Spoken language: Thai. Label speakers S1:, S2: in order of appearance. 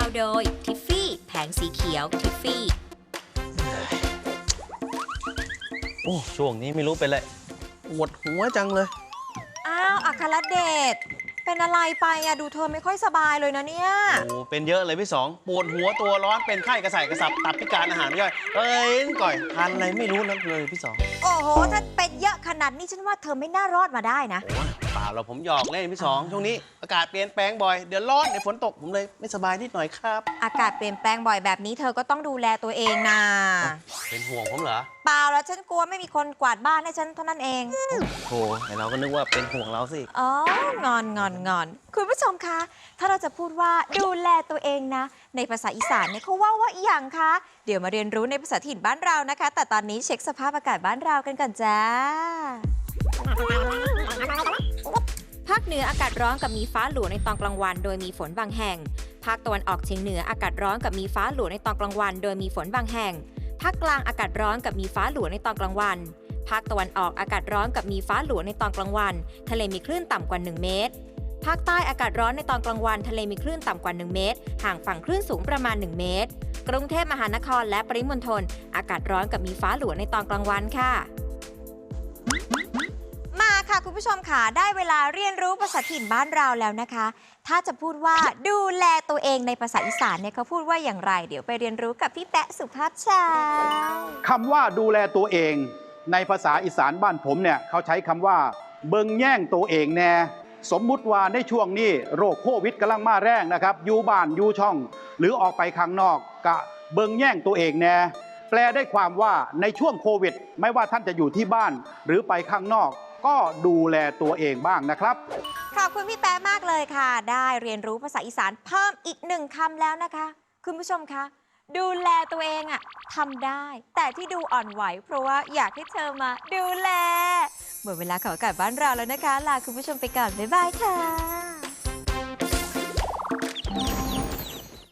S1: โดยทิฟฟี่แผงสีเขียวทิฟฟี่
S2: โอ้ช่วงนี้ไม่รู้เป็นไรปวดหัวจังเลย
S3: อ้าวอัครเดชเป็นอะไรไปอะดูเธอไม่ค่อยสบายเลยนะเนี่ย
S2: โอ้เป็นเยอะเลยพี่สองปวดหัวตัวร้อนเป็นไข้กระส่ายกระสับตับพิการอาหารไม่ย่อยก่อยทานอะไรไม่รู้นักเลยพี่สอง
S3: โอ้โหถ้าเป็นเยอะขนาดนี้ฉันว่าเธอไม่น่ารอดมาได้นะ
S2: โอ้เปล่าเราผมหยอกเล่นพี่สองช่วงนี้อากาศเปลี่ยนแปลงบ่อยเดี๋ยวร้อนเดี๋ยวฝนตกผมเลยไม่สบายนิดหน่อยครับ
S3: อากาศเปลี่ยนแปลงบ่อยแบบนี้เธอก็ต้องดูแลตัวเองนะ
S2: เป็นห่วงผมเหรอ
S3: เปล่าแล้วฉันกลัวไม่มีคนกวาดบ้านให้ฉันเท่านั้นเอง
S2: โธ่แต่เราก็นึกว่าเป็นห่วงเราสิ
S3: อ๋องอนคุณผู้ชมคะถ้าเราจะพูดว่าดูแลตัวเองนะในภาษาอีสานเนี่ยเขาว่าอย่างคะเดี๋ยวมาเรียนรู้ในภาษาถิ่นบ้านเรานะคะ แต่ตอนนี้เช็คสภาพอากาศบ้านเรากันก่อนจ้า
S1: ภาคเหนืออากาศร้อนกับมีฟ้าหลัวในตอนกลางวันโดยมีฝนบางแห่ง ภาคตะวันออกเฉียงเหนืออากาศร้อนกับมีฟ้าหลัวในตอนกลางวันโดยมีฝนบางแห่ง ภาคกลางอากาศร้อนกับมีฟ้าหลัวในตอนกลางวัน ภาคตะวันออกอากาศร้อนกับมีฟ้าหลัวในตอนกลางวัน ทะเลมีคลื่นต่ำกว่า1 เมตร ภาคใต้อากาศร้อนในตอนกลางวันทะเลมีคลื่นต่ำกว่า1 เมตร ห่างฝั่งคลื่นสูงประมาณ1 เมตร กรุงเทพมหานครและปริมณฑลอากาศร้อนกับมีฟ้าหลัวในตอนกลางวันค่ะ
S3: มาค่ะคุณผู้ชมค่ะได้เวลาเรียนรู้ภาษาถิ่นบ้านเราแล้วนะคะ ถ้าจะพูดว่าดูแลตัวเองในภาษาอีสานเนี่ยเขาพูดว่าอย่างไรเดี๋ยวไปเรียนรู้กับพี่แปะสุภาพชาย
S4: คำว่าดูแลตัวเองในภาษาอีสานบ้านผมเนี่ยเขาใช้คำว่าเบิงแย่งตัวเองแน่สมมุติว่าในช่วงนี้โรคโควิดกำลังมาแรงนะครับอยู่บ้านอยู่ช่อง หรือออกไปข้างนอกกะเบิงแย่งตัวเองแน่แปลได้ความว่าในช่วงโควิดไม่ว่าท่านจะอยู่ที่บ้านหรือไปข้างนอก ก็ดูแลตัวเองบ้างนะครับ
S3: ขอบคุณพี่แป๊ะมากเลยค่ะ ได้เรียนรู้ภาษาอีสานเพิ่มอีก1 คำแล้วนะคะ คุณผู้ชมคะดูแลตัวเองอะทำได้ แต่ที่ดูอ่อนไหวเพราะว่าอยากให้เธอมาดูแลหมดเวลาของอากาศบ้านเราแล้วนะคะลาคุณผู้ชมไปก่อนบ๊ายบายค่ะ